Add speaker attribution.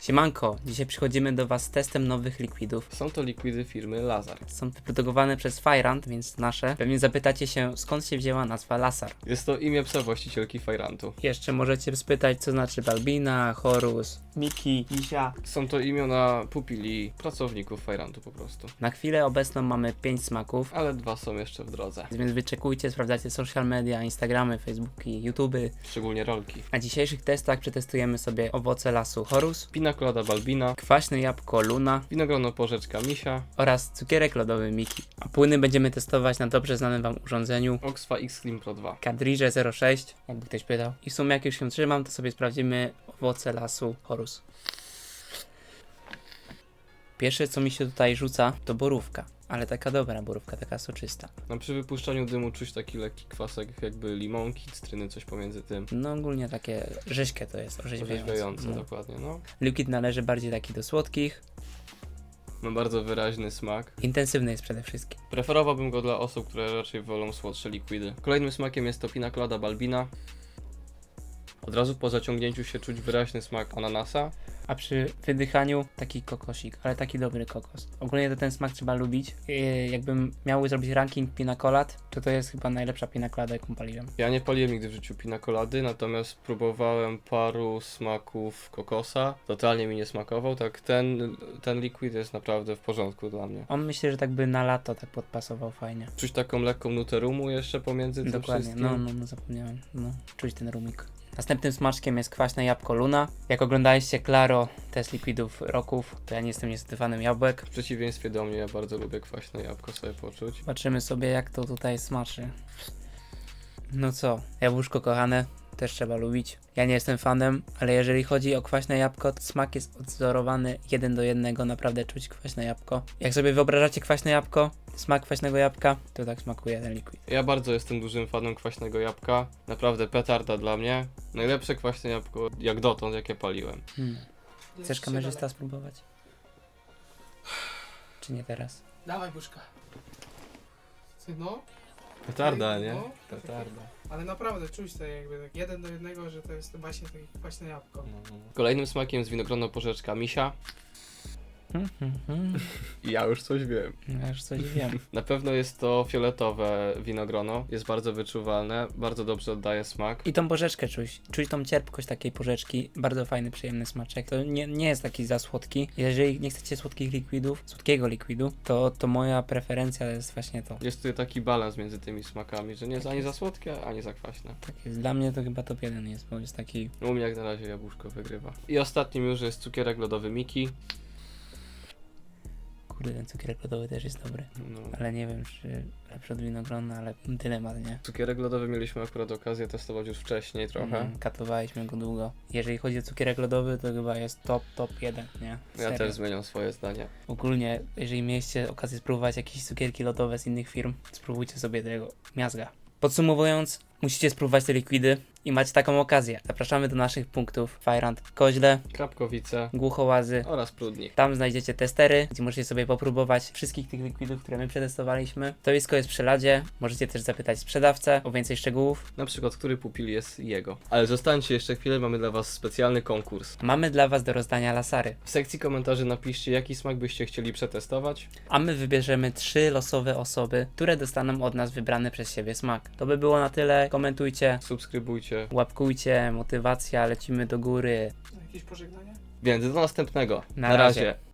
Speaker 1: Siemanko, dzisiaj przychodzimy do Was z testem nowych likwidów.
Speaker 2: Są to likwidy firmy Lazar.
Speaker 1: Są wyprodukowane przez Fajrant, więc nasze. Pewnie zapytacie się, skąd się wzięła nazwa Lasar.
Speaker 2: Jest to imię psa właścicielki Fajrantu.
Speaker 1: Jeszcze możecie spytać, co znaczy Balbina, Horus, Miki, Misia.
Speaker 2: Są to imiona pupili pracowników Fajrantu po prostu.
Speaker 1: Na chwilę obecną mamy 5 smaków,
Speaker 2: Ale 2 są jeszcze w drodze.
Speaker 1: więc wyczekujcie, sprawdzajcie social media, Instagramy, Facebooki, YouTuby.
Speaker 2: Szczególnie rolki.
Speaker 1: Na dzisiejszych testach przetestujemy sobie owoce lasu Horus,
Speaker 2: Pina colada Balbina,
Speaker 1: kwaśne jabłko Luna
Speaker 2: winogrono porzeczka Misia,
Speaker 1: oraz cukierek lodowy Miki. A płyny będziemy testować na dobrze znanym Wam urządzeniu
Speaker 2: Oxfa X Clean Pro 2.
Speaker 1: Kadridże 06, jakby ktoś pytał. I w sumie jak już się trzymam, to sobie sprawdzimy owoce lasu Horus. Pierwsze co mi się tutaj rzuca to borówka, ale taka dobra borówka, taka soczysta.
Speaker 2: No, przy wypuszczaniu dymu czuć taki lekki kwasek, jakby limonki, cytryny, coś pomiędzy tym.
Speaker 1: No ogólnie takie rzeźkie to jest,
Speaker 2: Orzeźwiające,
Speaker 1: No.
Speaker 2: dokładnie, no.
Speaker 1: Liquid należy bardziej taki do słodkich,
Speaker 2: Ma bardzo wyraźny smak.
Speaker 1: intensywny jest przede wszystkim.
Speaker 2: Preferowałbym go dla osób, które raczej wolą słodsze likwidy. Kolejnym smakiem jest to Pina colada Balbina. Od razu po zaciągnięciu się czuć wyraźny smak ananasa.
Speaker 1: A przy wydychaniu taki kokosik, ale taki dobry kokos. Ogólnie to ten smak trzeba lubić. Jakbym miał zrobić ranking pina colad, to jest chyba najlepsza pina colada, jaką paliłem.
Speaker 2: Ja nie paliłem nigdy w życiu pina colady, natomiast próbowałem paru smaków kokosa. Totalnie mi nie smakował, tak ten liquid jest naprawdę w porządku dla mnie.
Speaker 1: On myślę, że tak by na lato tak podpasował fajnie.
Speaker 2: Czuć taką lekką nutę rumu jeszcze pomiędzy tym
Speaker 1: Dokładnie,
Speaker 2: wszystkim.
Speaker 1: no zapomniałem. No, czuć ten rumik. Następnym smaczkiem jest kwaśne jabłko Luna. Jak oglądaliście Claro, test likwidów roków, to ja nie jestem niestety fanem jabłek.
Speaker 2: W przeciwieństwie do mnie, ja bardzo lubię kwaśne jabłko sobie poczuć.
Speaker 1: Zobaczymy sobie jak to tutaj smaczy. No co, jabłuszko kochane, też trzeba lubić. Ja nie jestem fanem, ale jeżeli chodzi o kwaśne jabłko, to smak jest odzorowany 1:1, naprawdę czuć kwaśne jabłko. Jak sobie wyobrażacie kwaśne jabłko, smak kwaśnego jabłka, to tak smakuje ten liquid.
Speaker 2: Ja bardzo jestem dużym fanem kwaśnego jabłka. Naprawdę petarda dla mnie. Najlepsze kwaśne jabłko jak dotąd, jakie paliłem.
Speaker 1: Chcesz kamerzysta spróbować? Czy nie teraz?
Speaker 3: Dawaj buszka. No,
Speaker 2: Petarda, nie?
Speaker 3: No.
Speaker 2: Petarda.
Speaker 3: ale naprawdę czuć to jakby tak 1:1, że to jest właśnie takie kwaśne jabłko.
Speaker 2: Kolejnym smakiem jest winogrono porzeczka Misia. I ja już coś wiem.
Speaker 1: Ja już coś wiem.
Speaker 2: Na pewno jest to fioletowe winogrono. Jest bardzo wyczuwalne, bardzo dobrze oddaje smak.
Speaker 1: I tą porzeczkę czuć. Czuć tą cierpkość takiej porzeczki. Bardzo fajny, przyjemny smaczek. To nie jest taki za słodki. Jeżeli nie chcecie słodkich likwidów, słodkiego likwidu, to moja preferencja jest właśnie to.
Speaker 2: Jest tutaj taki balans między tymi smakami, że nie jest ani za słodkie, ani za kwaśne.
Speaker 1: Tak jest. Dla mnie to chyba top 1 jest, bo jest taki...
Speaker 2: U mnie jak na razie jabłuszko wygrywa. I ostatnim już jest cukierek lodowy Miki.
Speaker 1: Kurde, ten cukierek lodowy też jest dobry.
Speaker 2: No.
Speaker 1: Ale nie wiem, czy lepszy od winogrona, ale dylemat, nie?
Speaker 2: Cukierek lodowy mieliśmy akurat okazję testować już wcześniej trochę.
Speaker 1: Katowaliśmy go długo. Jeżeli chodzi o cukierek lodowy, to chyba jest top 1, nie?
Speaker 2: Ja
Speaker 1: Serio.
Speaker 2: też zmieniam swoje zdanie.
Speaker 1: Ogólnie, jeżeli mieliście okazję spróbować jakieś cukierki lodowe z innych firm, spróbujcie sobie tego miazga. Podsumowując, musicie spróbować te likwidy i macie taką okazję. Zapraszamy do naszych punktów Fajrant w Koźle,
Speaker 2: Krapkowice
Speaker 1: Głuchołazy.
Speaker 2: oraz Prudnik.
Speaker 1: Tam znajdziecie testery, gdzie możecie sobie popróbować wszystkich tych likwidów, które my przetestowaliśmy. Stoisko jest przy ladzie, możecie też zapytać sprzedawcę o więcej szczegółów.
Speaker 2: Na przykład, który pupil jest jego. Ale zostańcie jeszcze chwilę, mamy dla was specjalny konkurs.
Speaker 1: Mamy dla Was do rozdania lasary,
Speaker 2: W sekcji komentarzy napiszcie, jaki smak byście chcieli przetestować.
Speaker 1: a my wybierzemy 3 losowe osoby, które dostaną od nas wybrany przez siebie smak. To by było na tyle. Komentujcie,
Speaker 2: Subskrybujcie.
Speaker 1: łapkujcie, motywacja, lecimy do góry.
Speaker 3: Jakieś pożegnania?
Speaker 2: Więc do następnego.
Speaker 1: Na razie.